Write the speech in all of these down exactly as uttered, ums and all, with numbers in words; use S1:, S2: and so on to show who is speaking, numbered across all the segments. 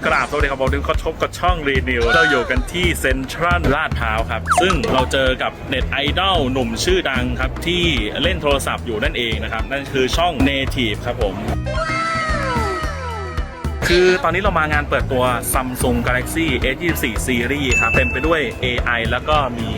S1: กราบสวัสดีครับผมดึงก็ชบกับช่องรีนิวเราอยู่กันที่เซ็นทรัลลาดพร้าวครับซึ่งเราเจอกับเน็ตไอดอลหนุ่มชื่อดังครับที่เล่นโทรศัพท์อยู่นั่นเองนะครับนั่นคือช่อง Native ครับผมคือตอนนี้เรามางานเปิดตัว Samsung Galaxy เอส ยี่สิบสี่ Series ครับเต็มไปด้วย เอ ไอ แล้วก็มี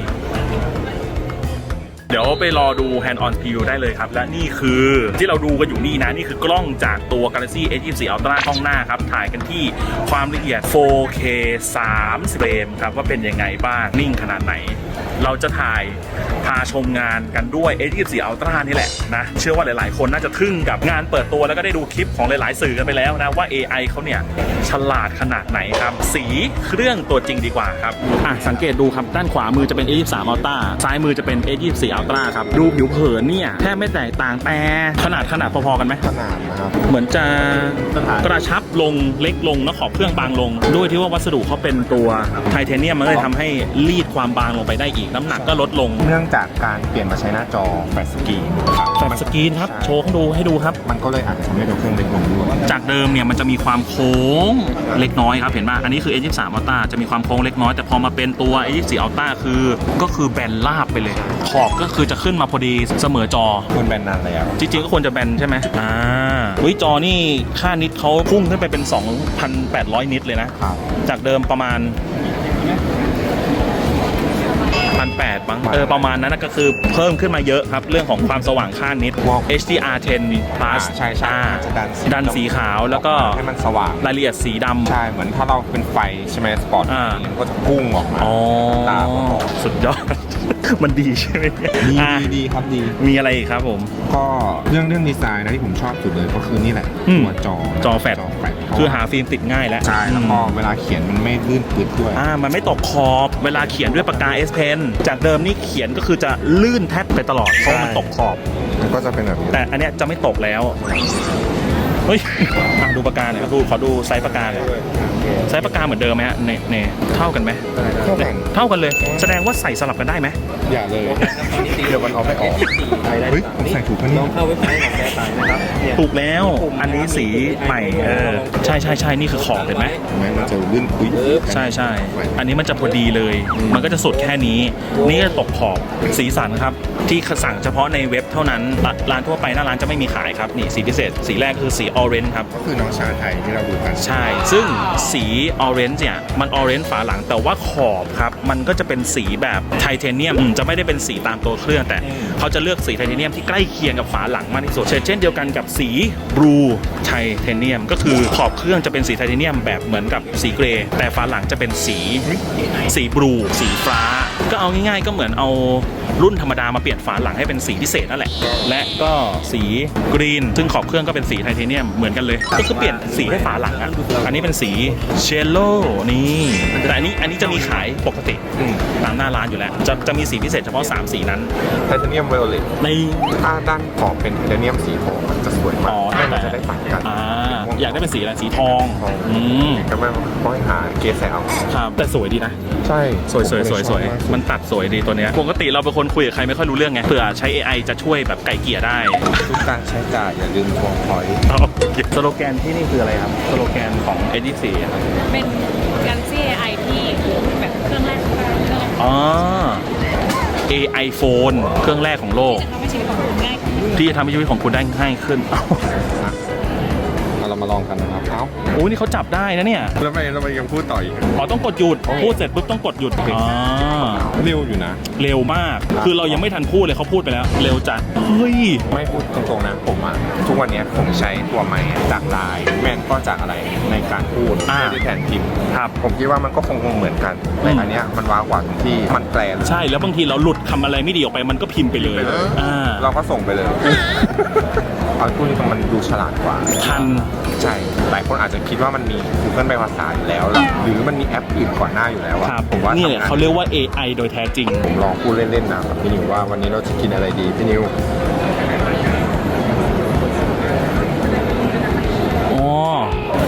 S1: เดี๋ยวไปรอดู Hand on Preview ได้เลยครับและนี่คือที่เราดูกันอยู่นี่นะนี่คือกล้องจากตัว Galaxy เอส ยี่สิบสี่ Ultra กล้องหน้าครับถ่ายกันที่ความละเอียด โฟร์เค สามสิบ เฟรมครับว่าเป็นยังไงบ้างนิ่งขนาดไหนเราจะถ่ายพาชมงานกันด้วย เอส ยี่สิบสี่ Ultra นี่แหละนะเชื่อว่าหลายๆคนน่าจะทึ่งกับงานเปิดตัวแล้วก็ได้ดูคลิปของหลายๆสื่อกันไปแล้วนะว่า เอ ไอ เขาเนี่ยฉลาดขนาดไหนครับสีเครื่องตัวจริงดีกว่าครับอ่ะสังเกตดูครับด้านขวามือจะเป็น เอส ยี่สิบสาม Ultra ซ้ายมือจะเป็น เอส ยี่สิบสี่ Ultra ครับดูผิวเผินเนี่ยแทบไม่แตกต่างแต่ขนาดขนาดพอๆกันไหม
S2: ขนาดนะครับ
S1: เหมือนจะกระชับลงเล็กลงแล้วขอบเครื่องบางลงด้วยที่ว่าวัสดุเขาเป็นตัวไทเทเนียมมันเลยทำให้รีดความบางลงไปได้อีกน้ำหนักก็ลดลง
S2: เนื่องจากการเปลี่ยนมาใช้หน้าจอแฟลชสกรีน
S1: แฟลชสกรีนครับโชว์ให้ดูให้ดูครับ
S2: มันก็เลยอาจจะทำให้ตัวเครื่องเล็กลงด้วย
S1: จากเดิมเนี่ยมันจะมีความโค้งเล็กน้อยครับเห็นป่ะอันนี้คือ เอส ยี่สิบสาม Ultra จะมีความโค้งเล็กน้อยแต่พอมาเป็นตัว เอส ยี่สิบสี่ Ultra คือก็คือแบนราบไปเลยขอบก็คือจะขึ้นมาพอดีเสมอจอ
S2: ควรแบนนานแล้ว
S1: จริงๆก็ควรจะแบนใช่ไหมอ่าวิจอนี่ค่านิตเขาพุ่งขึ้นไปเป็น สองพันแปดร้อย นิตเลยนะจากเดิมประมาณพันแปดบ้างเออประมาณนั้นก็คือเพิ่มขึ้นมาเยอะครับเรื่องของความสว่างค่านิต เอช ดี อาร์ เท็น plus
S2: ใช่ใช่จะดัน
S1: ดันสีขาวแล้วก็
S2: ให้มันสว่าง
S1: รายละเอียดสีดำ
S2: ใช่เหมือนถ้าเราเป็นไฟใช่ไหมสปอร์ตมันก็จะพุ่งออกมาตา
S1: สุดยอดมันดีใช่ไหม
S2: ดีดีครับดี
S1: มีอะไรอีกครับผม
S2: ก็เรื่องเรื่องดีไซน์นะที่ผมชอบสุดเลยก็คือนี่แหละตัวจอ
S1: จอแฟลชคือหาฟิล์มติดง่ายแล้ว
S2: ใช่แล้วก็เวลาเขียนมันไม่ลื่นปืดด้วย
S1: อ่ามันไม่ตกขอบเวลาเขียนด้วยปากกา S Pen จากเดิมนี่เขียนก็คือจะลื่นแทบไปตลอดเพราะมันตกขอบ
S2: ก็จะเป็นแบบนี้
S1: แต่อันเนี้ยจะไม่ตกแล้วเฮ้ยดูปากกาหน่อยดูขอดูไซส์ปากกาหน่อยไซส์ปากกาเหมือนเดิมไหมฮะเนเนเท่ากันไหม
S2: เท่ากัน
S1: เท่ากันเลยแสดงว่าใส่สลับกันได้ไหม
S2: อย่าเลยเดี๋ยวมันเอาไปออกเฮ้ยใส่ถูกปะเนี่ย
S3: เข้าเว็บไซต์ของแกตายนะครับ
S1: ถูกแล้วอันนี้สีใหม่เออใช่ใช่ใช่นี่คือขอบเห็นไหม
S2: มันจะลื่นปุ้ย
S1: ใช่ใช่อันนี้มันจะพอดีเลยมันก็จะสุดแค่นี้นี่ก็ตกขอบสีสันครับที่สั่งเฉพาะในเว็บเท่านั้นร้านทั่วไปหน้าร้านจะไม่มีขายครับนี่สีพิเศษสีแรกคือสีออเรนจ์ครับ
S2: ก็คือน้องชาไทยที่เราดูกัน
S1: ใช่ซึ่งสีออเรนจ์เนี่ยมันออเรนจ์ฝาหลังแต่ว่าขอบครับมันก็จะเป็นสีแบบไทเทเนียมจะไม่ได้เป็นสีตามตัวเครื่องแต่เขาจะเลือกสีไทเทเนียมที่ใกล้เคียงกับฝาหลังมากที่สุดเช่นเดียวกันกับสีบลูไทเทเนียมก็คือขอบเครื่องจะเป็นสีไทเทเนียมแบบเหมือนกับสีเกรย์แต่ฝาหลังจะเป็นสีสีบลูสีฟ้าก็เอาง่ายๆก็เหมือนเอารุ่นธรรมดามาเปลี่ยนฝาหลังให้เป็นสีพิเศษนั่นแหละและก็สีกรีนซึ่งขอบเครื่องก็เป็นสีไทเทเนียมเหมือนกันเลยก็คือเปลี่ยนสีให้ฝาหลังอ่ะอันนี้เป็นสีเชลโลนี่แต่อันนี้อันนี้จะมีขายปกติตามหน้าร้านอยู่แล้วจะจะมีสีพิเศษเฉพาะสามสีนั้น
S2: ไทเทเนียมไวโอเลต
S1: ใน
S2: ถ้าด้านขอบเป็นไทเทเนียมสีทองมันจะสวยมากมันจะได้ตัดกัน
S1: อยากได้เป็นสีอะไรสีทองอืม
S2: ก็ไม่ต้องหาเกสเอา
S1: ครับแต่สวยดีนะ
S2: ใช่
S1: สวยสวยสวยสวยมันตัดสวยดีตัวเนี้ยปกติเราเป็นคนคุยกับใครไม่ค่อยรู้เรื่องไงเผื่อใช้ เอ ไอ จะช่วยแบบไก่เกลี่ยได้
S2: ทุกการใช้จ่ายอย่าลืมทวงพอยต์
S1: สโลแกนที่นี่คืออะไรครับสโลแกนของ เอส ยี่สิบสี่ครับ
S4: เป็น Galaxy เอ ไอ ที่แบบเครื่องแรกของโลก
S1: อ๋อ เอ ไอ Phone เครื่องแรกของโลกที่จะทำให้ชีวิตของคุณได้ง่ายขึ้น
S2: เรามาลองกันนะครับเอ้า
S1: โอ้นี่เขาจับได้นะเนี่ย
S2: แล้วไปแล้วไปยังพูดต่ออีก
S1: อ๋อต้องกดหยุดพูดเสร็จปุ๊บต้องกดหยุดอ๋อ
S2: เร็วอยู่นะ
S1: เร็วมากคือเรายังไม่ทันพูดเลยเขาพูดไปแล้วเร็วจัดเฮ้ย
S2: ไม่พูดตรงๆนะผมอ่ะทุกวันนี้ผมใช้ตัวใหม่จากไลน์แม่นก็จากอะไรในการพูดไม่ได้แทนพิมพ์
S1: ครับ
S2: ผมคิดว่ามันก็คงเหมือนกันแต่อันเนี้ยมันว้าวกว่าตรงที่มันแปล
S1: ใช่แล้วบางทีเราหลุดคำอะไรไม่ดีออกไปมันก็พิมพ์ไปเลยอ่า
S2: เราก็ส่งไปเลยเอาพูดตรงมันดูฉลาดกว่า
S1: ทัน
S2: ใช่หลายคนอาจจะคิดว่ามันมี Google แปลภาษาอยู่แล้วหรือมันมีแอปอื่นก่อนหน้าอยู่แล้ว
S1: ผมว่านี่แหละเขาเรียกว่า เอ ไอ โดยแท้จริง
S2: ผมลองพูดเล่นๆนะพี่นิวว่าวันนี้เราจะกินอะไรดีพี่นิว
S1: อ๋อ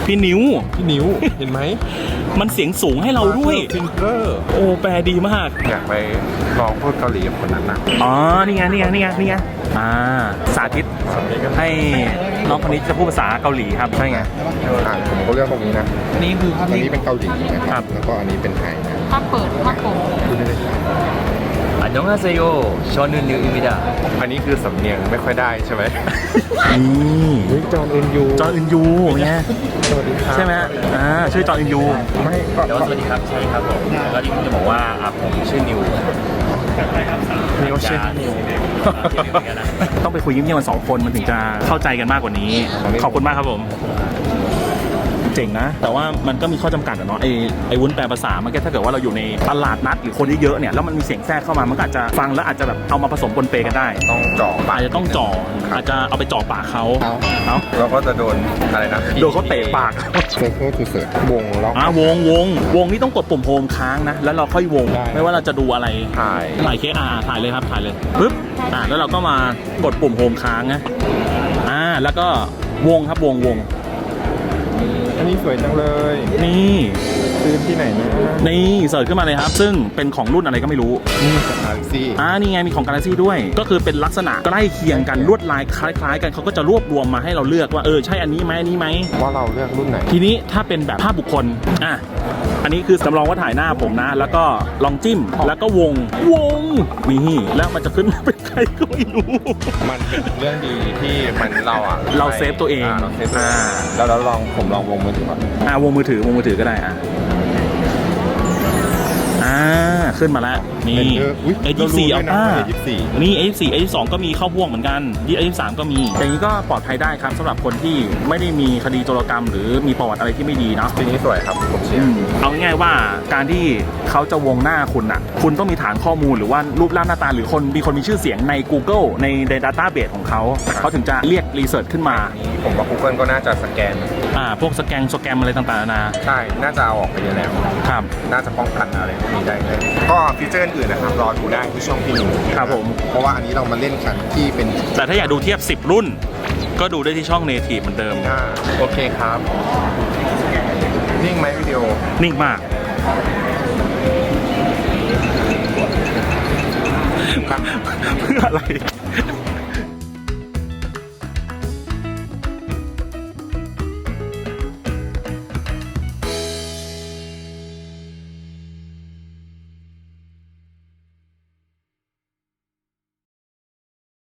S1: พี่นิ้ว
S2: พี่นิ้ว เห็นไหม
S1: มันเสียงสูงให้เราด้วย
S2: ฟิงเกอร์
S1: โอ้แปลดีมาก
S2: อยากไปลองพูดเกาหลีกับคนนั้นนะ
S1: อ๋อ นี่ไง นี่ไง นี่ไง นี่ไง อ่า สาธิตให้น้องคนนี้จะพูดภาษาเกาหลีครับ ใช่ไง
S2: อ่าผมก็เลือกตรงนี้นะ
S1: นี่คือภาพ
S2: อัน
S1: นี้
S2: นี้เป็นเกาหลีนะครับ แล้วก็อันนี้เป็นไทยนะ
S4: ภาพเปิดภาพโปง
S2: พูดได้เลยครับ
S3: 안녕하세요. 저는 뉴입니다.
S2: อันนี้คือสำเนียงไม่ค่อยได้ใช่ไหม
S1: นี่
S2: เฮ้ยจอห์นอึนยู
S1: จอห์นอึนยูไง
S2: สวัสดีครับ
S1: ใช่ไหมอ่า ชื่อจอห์นอึนยู
S2: ไม่ก็
S3: เดี๋ยวสวัสดีครับใช่ครับผมแล้วที่ผมจะบอกว่าอ่ะผมชื่อนิว
S2: นิวชื่อนิว
S1: ต้องไปคุยเงียบๆกันสองคนมันถึงจะเข้าใจกันมากกว่านี้ ขอบคุณมากครับผม เจ๋งนะ แต่ว่ามันก็มีข้อจำกัดอะเนาะไอ้ไอ้วุ้นแปลภาษามันก็ถ้าเกิดว่าเราอยู่ในตลาดนัดหรือคนเยอะๆเนี่ยแล้วมันมีเสียงแทรกเข้ามามันก็อาจจะฟังแล้วอาจจะแบบเอามาผสมปนเปกันได้
S2: ต้องเจาะปาก
S1: อาจจะต้องจ่ออาจจะเอาไปจ่อปากเขาเอ้า
S2: เราก็จะโดนอะไรนะ
S1: โดนเขาเตะปาก
S2: เซอร์เคิลทูเสิร์วงล็อก
S1: อ่าวงวงวงนี่ต้องกดปุ่มโฮมค้างนะ แล้วเราค่อยวง
S2: ได้
S1: ไม่ว่าเราจะดูอะไร
S2: ถ่าย
S1: ถ่ายเคสอ่าถ่ายเลยครับถ่ายเลยปึ๊บอ่าแล้วเราก็มากดปุ่มโฮมค้างนะอ่าแล้วก็วงครับวงวง
S2: อันนี้สวยจังเลย
S1: นี่
S2: ซื้อที่ไหนนะ
S1: นี่เสิร์ชขึ้นมาเลยครับ ซึ่งเป็นของรุ่นอะไรก็ไม่รู้
S2: นี่สถานซี่
S1: อ่านี่ไงมีของ Galaxy ด้วย ก็คือเป็นลักษณะใกล้เคียงกันลวดลายคล้ายๆ กันเขาก็จะรวบรวมมาให้เราเลือกว่าเออใช่อันนี้ไหมอันนี้ไหม
S2: ว่าเราเลือกรุ่นไหน
S1: ทีนี้ถ้าเป็นแบบภาพบุคคลอ่ะอันนี้คือจำลองว่าถ่ายหน้าผมนะ แล้วก็ลองจิ้มแล้วก็วงวงนี่แล้วมันจะขึ้นมาเป็นใครก็ไม่รู้
S2: มันเป็นเรื่องดีที่มันเราอ่ะ
S1: เราเซฟตัวเอง
S2: าเราเซฟตัวเอง
S1: อ่า
S2: แล้วเราลองผมลองวงมือถือก่อน
S1: อ่าวงมือถือวงมือถือก็ได้อ่ะอ่าขึ้นมาแล้วนี่ เอ ยี่สิบสี่
S2: เรา
S1: อัล
S2: รู้
S1: ต้า
S2: ด้วยนะว่า เอ ยี่สิบสี่
S1: นี่ เอ ยี่สิบสี่ เอ ยี่สิบสอง ก็มีเข้าพ่วงเหมือนกัน เอ ยี่สิบสาม ก็มีอย่างนี้ก็ปลอดภัยได้ครับสำหรับคนที่ไม่ได้มีคดีโจรกรรม หรือมีประวัติอะไรที่ไม่ดีเนาะ
S2: ทีนี้สวยครับผมเชีย
S1: อื
S2: ร์
S1: มเอาง่ายๆว่าการที่เขาจะวงหน้าคุณอ่ะ คุณต้องมีฐานข้อมูลหรือว่ารูปร่างหน้าตาหรือคนมีคนมีชื่อเสียงใน Google ในใน Database ของเขาเขาถึงจะเรียกรีเสิร์ชขึ้นมา
S2: ผมว่า Google ก็น่าจะสแกน
S1: อ่าพวกสแกนสแกมอะไรต่างๆนานา
S2: ใช่ น่าจะเอาออกไปเยอะแล้ว
S1: ครับ
S2: น่าจะป้องกันอะไรพวกนี้ได้เลยก็ฟีเจอร์อื่นนะครับ รอดูได้ที่ช่องพี่นิว
S1: ครับผม
S2: เพราะว่าอันนี้เรามาเล่นกันที่เป็น
S1: แต่ถ้าอยากดูเทียบสิบรุ่น ก็ดูได้ที่ช่อง Native เหมือนเดิม
S2: หน้าโอเคครับ นิ่งไหมวิดีโอ
S1: นิ่งมาก เพื่ออะไร